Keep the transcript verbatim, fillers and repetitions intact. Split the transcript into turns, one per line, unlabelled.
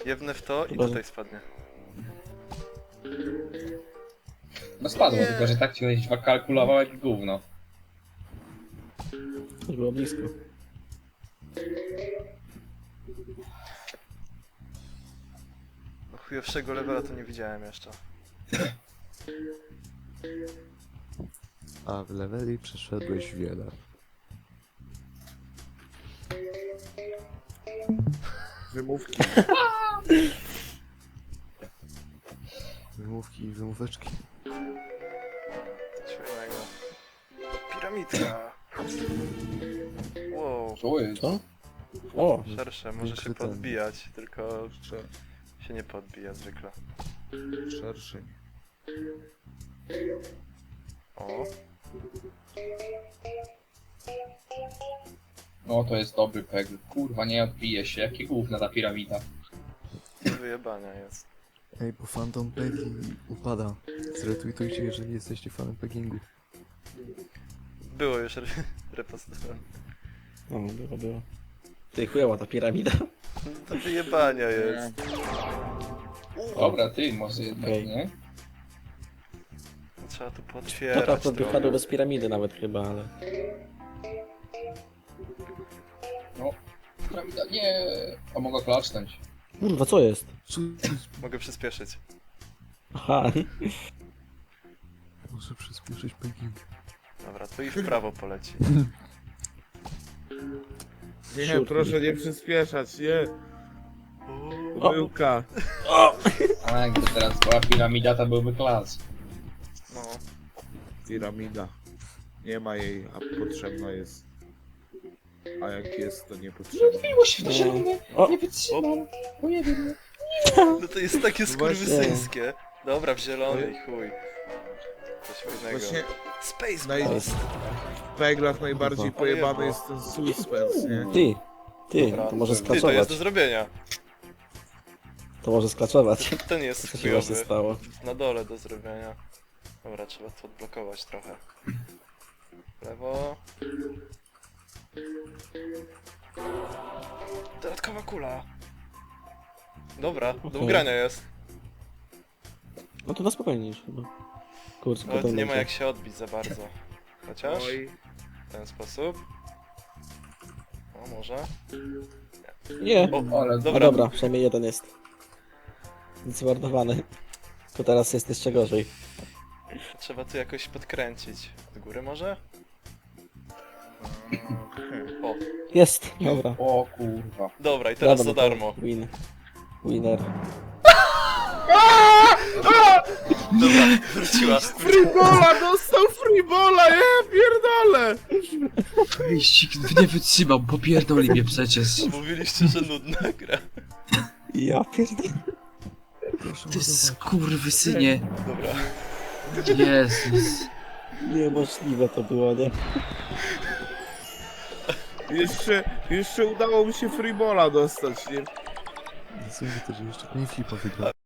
Jebnę w to i
Chyba, że-
tutaj spadnie.
No spadło,
Nie.
tylko że tak ci kalkulował jak gówno.
To było blisko.
No chujowszego levela to nie widziałem jeszcze.
A w leveli przeszedłeś wiele.
Wymówki.
Wymówki i wymóweczki.
Coś fajnego. Piramidka! Wow,
Co jest?
Co? O!
szersze, może się
Wykryte.
podbijać, tylko
Jeszcze
się nie podbija zwykle.
szerszeń.
O,
No to jest dobry pegl. Kurwa, nie odbije się. Jakie gówna ta piramida.
do wyjebania jest.
Ej, bo Phantom Peggy upada. Zretweetujcie, jeżeli jesteście fanem peggingu.
Było już re repostowane.
No, było, było. Ty chujowa ta piramida.
Do wyjebania jest.
Dobra, ty może jednak,
Okej.
nie?
Trzeba tu
No
potwierać
tak, to
trochę.
wypadło bez piramidy nawet chyba, ale...
No. Piramida, nie. A mogę klaszcząć.
Kurwa, co jest?
Co?
Mogę przyspieszyć.
Aha.
Muszę przyspieszyć pegging.
Dobra, to i w prawo poleci.
Nie,
Siódmy.
proszę nie przyspieszać, nie.
O.
Pomyłka.
A jakby teraz była piramida, to byłby klas.
No,
Piramida. Nie ma jej, a potrzebna jest. A jak jest, to niepotrzebna.
Odbiło się to zielone.
O!
Nie wytrzymam. Bo nie wiem.
no to jest takie
Właśnie.
skurwysyńskie. Dobra, w zielony i chuj. Coś fajnego.
Właśnie
Space
naj...
To jest...
w peglach najbardziej
Kurwa.
pojebany jest ten suspense, nie?
Ty! Ty,
Dobra,
to może
ty,
Ty, to jest
sklaczować.
do zrobienia.
To może sklaczować.
Ten jest
Co się właśnie
chujowy.
stało?
Na dole do zrobienia. Dobra, trzeba to odblokować trochę. Lewo. Dodatkowa kula. Dobra, do
Okej.
ugrania jest.
No to na spokojnie już chyba. Kurczę,
Ale tu
potem
nie ma
będzie.
jak się odbić za bardzo. Chociaż
Oj,
w ten sposób. O, może.
Nie!
O,
Ale
No
dobra.
dobra, przynajmniej jeden jest. Zmordowany. To teraz jest jeszcze gorzej.
Trzeba tu jakoś podkręcić. Od góry może?
okej.
O,
Jest! Dobra.
O kurwa.
dobra, i teraz za
Dobra, no to
darmo.
Win. Winner.
Dobra, wróciła.
Freebola! Dostał freebola! Ja pierdolę!
Wyścig nie wytrzymam, popierdoli mnie przecież.
Mówiliście, że nudna gra.
Ja pierdolę.
Proszę
Ty
ładować.
skurwysynie.
Dobra.
Jezus.
Niemożliwe to było, nie?
Jeszcze, jeszcze udało mi się freebola dostać, nie?
Sądzę to, że jeszcze nie flipa wygrał.